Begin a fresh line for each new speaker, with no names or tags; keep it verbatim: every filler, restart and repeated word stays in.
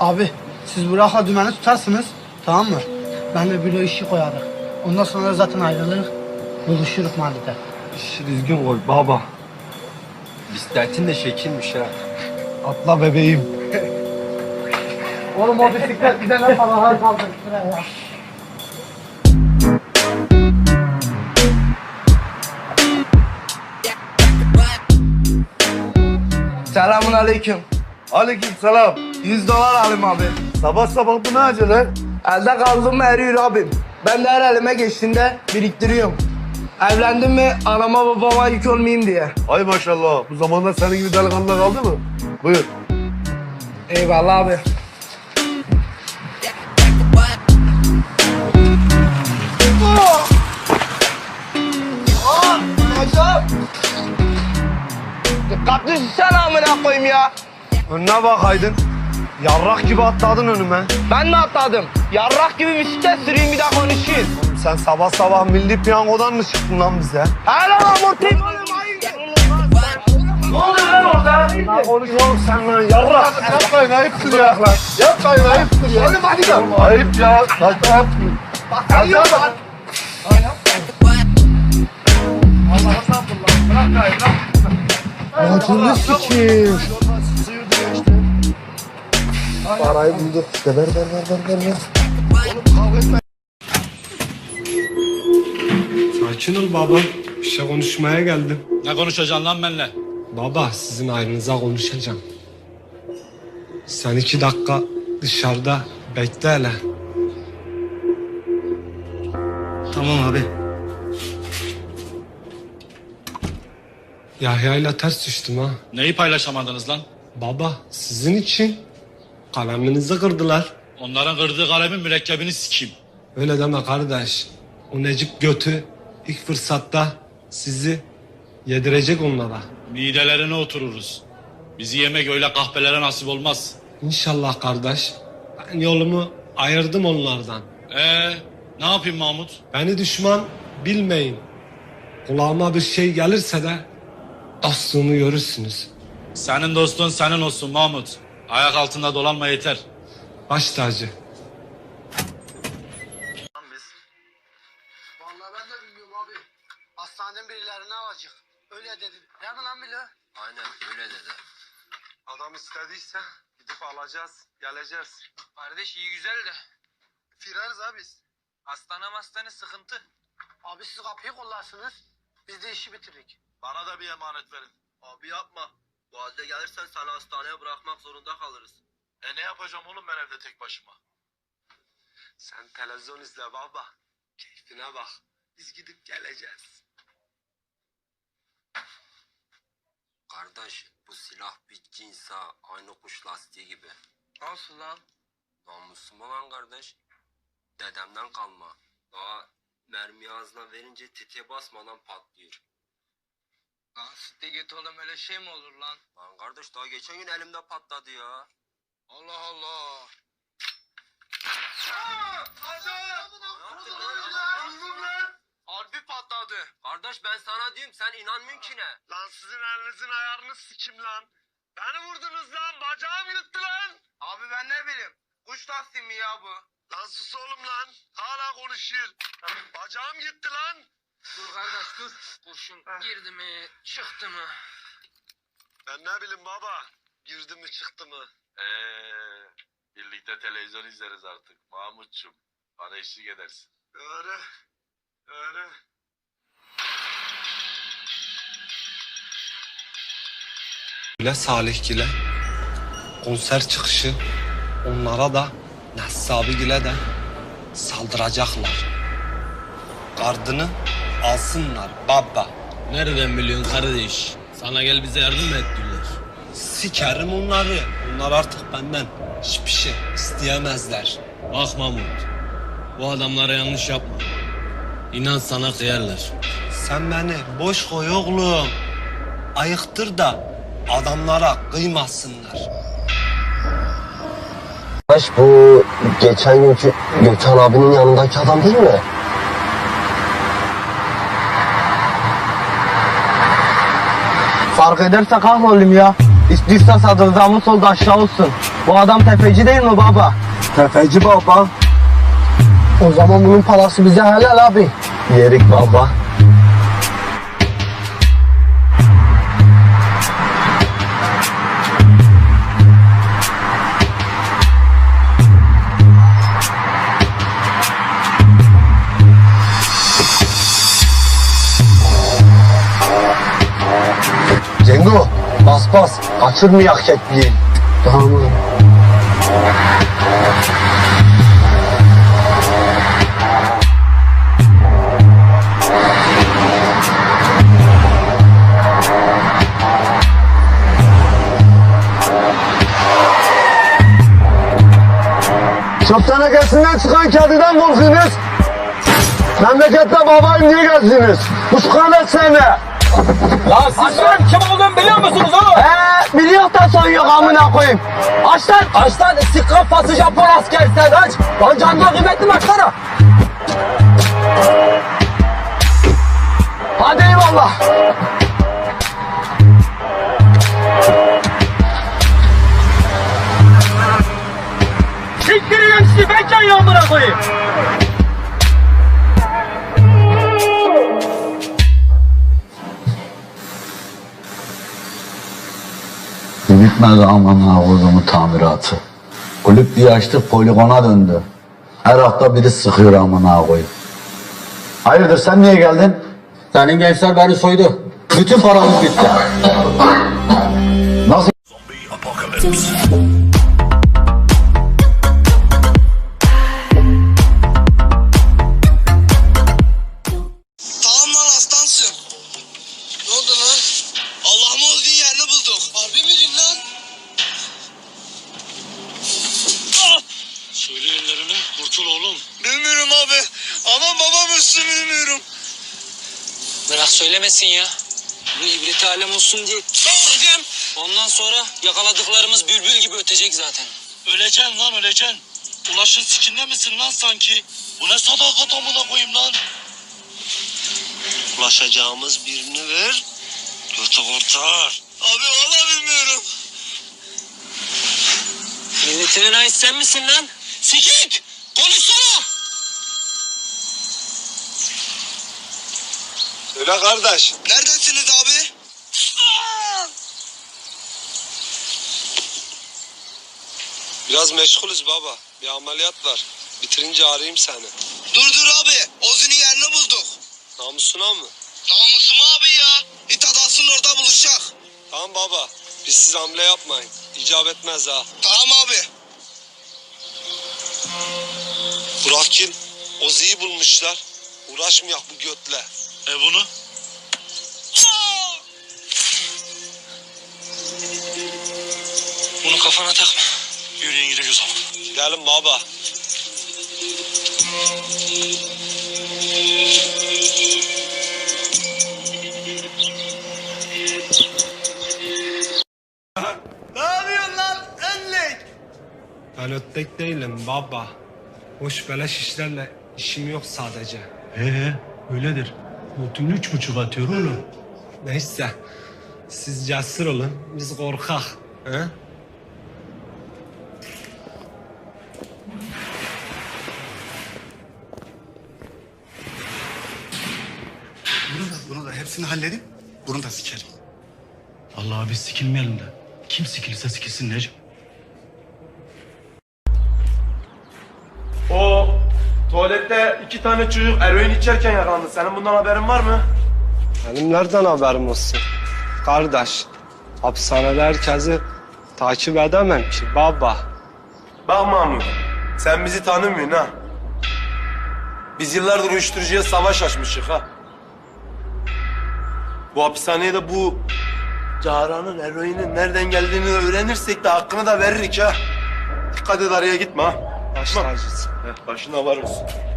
Abi siz Burak'la dümeni tutarsınız, tamam mı? Ben de büro işi koyarım. Ondan sonra zaten ayrılır, buluşuruz mahallede.
İşi düzgün koy baba.
Bisikletin de şekilmiş ha.
Atla bebeğim.
Oğlum o bisiklet bize ne paralar kaldı ya.
Selamun aleyküm.
Aleyküm selam.
yüz dolar alayım abi.
Sabah sabah bu ne acele?
Elde kaldım mı eriyor abim. Ben de her elime geçtiğinde biriktiriyorum. Evlendim mi anama babama yük olmayayım diye.
Ay maşallah. Bu zamanda senin gibi delikanlı kaldı mı? Buyur.
Eyvallah abi. Dikkatli sen amına koyayım ya.
Önüne bakaydın. Yarrak gibi atladın önüme.
Ben mi atladım? Yarrak gibi bisiklet süreyim bir daha konuşayım.
Sen sabah sabah milli piyangodan mı çıktın lan bize?
Hele amortayım. Ne oluyor lan orada?
Ne konuşuyorsun sen lan yarrak? Yapmayın ayıptır ya. Yapmayın ayıptır ya. Oğlum hadi gel. Ayıp ya. Saçma yapmayın.
Bak sen yiyorsun lan.
Acını sikeyim. Parayı bulduk işte. Ver ver ver ver ver. ver.
Sakin ol baba. Bir şey konuşmaya geldim.
Ne konuşacaksın lan benimle?
Baba sizin ayrınıza konuşacağım. Sen iki dakika dışarıda bekle hele.
Tamam abi.
Yahya'yla ters düştüm ha.
Neyi paylaşamadınız lan?
Baba sizin için kaleminizi kırdılar.
Onların kırdığı kalemin mürekkebini sikeyim.
Öyle deme kardeş. O Necip götü ilk fırsatta sizi yedirecek onlara.
Midelerine otururuz. Bizi yemek öyle kahpelere nasip olmaz.
İnşallah kardeş. Ben yolumu ayırdım onlardan.
Ee, ne yapayım Mahmut?
Beni düşman bilmeyin. Kulağıma bir şey gelirse de dostluğumu görürsünüz.
Senin dostun senin olsun Mahmut. Ayak altında dolanma yeter.
Baş tacı.
Vallahi ben de bilmiyorum abi. Hastaneden birilerini alacak. Öyle dedi. Değil mi lan Bilo?
Aynen öyle dedi.
Adam istediyse gidip alacağız, geleceğiz.
Kardeş iyi güzel de
Firarız abi biz.
hastane hastane sıkıntı.
Abi siz kapıyı kollarsınız. Biz de işi bitirdik.
Bana da bir emanet verin. Abi yapma. Bu halde gelirsen seni hastaneye bırakmak zorunda kalırız.
E ne yapacağım oğlum ben evde tek başıma?
Sen televizyon izle baba. Keyfine bak. Biz gidip geleceğiz.
Kardeş bu silah bir cinsa aynı kuş lastiği gibi.
Nasıl lan?
Namusum olan kardeş. Dedemden kalma. Daha mermi ağzına verince tetiğe basmadan patlıyor.
Lan sitte git oğlum öyle şey mi olur lan?
Lan kardeş daha geçen gün elimde patladı ya.
Allah Allah. Harbi patladı.
Kardeş ben sana diyorum sen inanmıyorsun ki ne?
Lan sizin elinizin ayarını sikim lan. Beni vurdunuz lan. Bacağım gitti lan.
Abi ben ne bileyim. Kuş lastiği mi ya bu?
Lan sus oğlum lan. Hala konuşuyor. Bacağım gitti lan.
Dur kardeş dur. Kurşun girdi mi çıktı mı?
Ben ne bileyim baba. Girdi mi çıktı mı?
Eee birlikte televizyon izleriz artık Mahmutçum. Bana eşlik edersin.
Öyle. Öyle.
Bile Salihgile konser çıkışı onlara da Nessabi'gile de saldıracaklar. Gardını alsınlar baba.
Nereden biliyorsun kardeş? Sana gel bize yardım mı ettiler?
Sikerim onları. Onlar artık benden hiçbir şey isteyemezler.
Bak Mahmut, bu adamlara yanlış yapma. İnan sana kıyarlar.
Sen beni boş koy oğlum. Ayıktır da adamlara kıymasınlar.
Kardeş bu geçen günkü Gökhan abinin yanındaki adam değil mi?
Fark ederse kahroluyum ya. İstiyorsa sadrazamın solda aşağı olsun. Bu adam tefeci değil mi baba?
Tefeci baba.
O zaman bunun parası bize helal abi.
Yerik baba. Cengo, bas bas. Kaçırmayak kekliği.
Tamam abi.
Çöp tenekesinden çıkan kediden korkuyorsunuz. Memlekette babayım diye gezdiniz. Kuşkanet seni.
Lan siz benim kim olduğumu biliyor musunuz oğlum? He biliyor da son yok amına koyayım. Aç lan. Aç lan istikrar pası Japon asker sen aç. Lan canına kıymetli baksana. Hadi eyvallah. Siktirin sizi ben çayı amına koyayım.
Bitmedi aman ağzımın tamiratı. Kulüp diye açtık poligona döndü. Her hafta biri sıkıyor aman koyayım. Hayırdır sen niye geldin?
Senin gençler beni soydu. Bütün paramız bitti.
Nasıl?
Tamam lan aslansın. Ne oldu lan? Allah'ım olduğun yerini bulduk. Harbi miydin lan?
Söyle ellerini kurtul oğlum.
Bilmiyorum abi. Aman babam üstü bilmiyorum.
Bırak söylemesin ya. Bu ibret alem olsun diye tutacağım. Ondan sonra yakaladıklarımız bülbül gibi ötecek zaten.
Öleceksin lan öleceksin. Ulaşın sikinde misin lan sanki? Bu ne sadakat amına koyayım lan?
Ulaşacağımız birini ver.
Götü kurtar.
Abi valla bilmiyorum.
Milletinin ait sen misin lan?
Sikik! Konuşsana!
Söyle kardeş.
Neredesiniz abi?
Biraz meşgulüz baba. Bir ameliyat var. Bitirince arayayım seni.
Dur dur abi. Ozu'nun yerini bulduk.
Namusuna mı?
Namusum abi ya. İtadasın orada buluşacak.
Tamam baba. Biz siz hamle yapmayın. İcap etmez ha.
Tamam abi.
Burak'ın Ozi'yi bulmuşlar. Uğraşmayak bu götle. E bunu?
Bunu kafana takma.
Yürüyün gidiyoruz ama. Gidelim baba.
Ben öttek değilim baba. Boş beleş işlerle işim yok sadece.
Ee, öyledir. Notun üç buçuk atıyor oğlum.
Neyse. Siz cesur olun. Biz korkak. He?
Bunu da, bunu da hepsini halledin. Bunu da sikerim. Allah biz sikilmeyelim de. Kim sikilirse sikilsin Necip.
O tuvalette iki tane çocuk eroin içerken yakalandı. Senin bundan haberin var mı?
Benim nereden haberim olsun? Kardeş, hapishanede herkesi takip edemem ki baba.
Bak Mahmut, sen bizi tanımıyorsun ha. Biz yıllardır uyuşturucuya savaş açmışık ha. Bu hapishaneye de bu Cahra'nın eroinin nereden geldiğini öğrenirsek de hakkını da veririk ha. Dikkat et araya gitme ha.
Baş tacısın.
Heh, başına var olsun.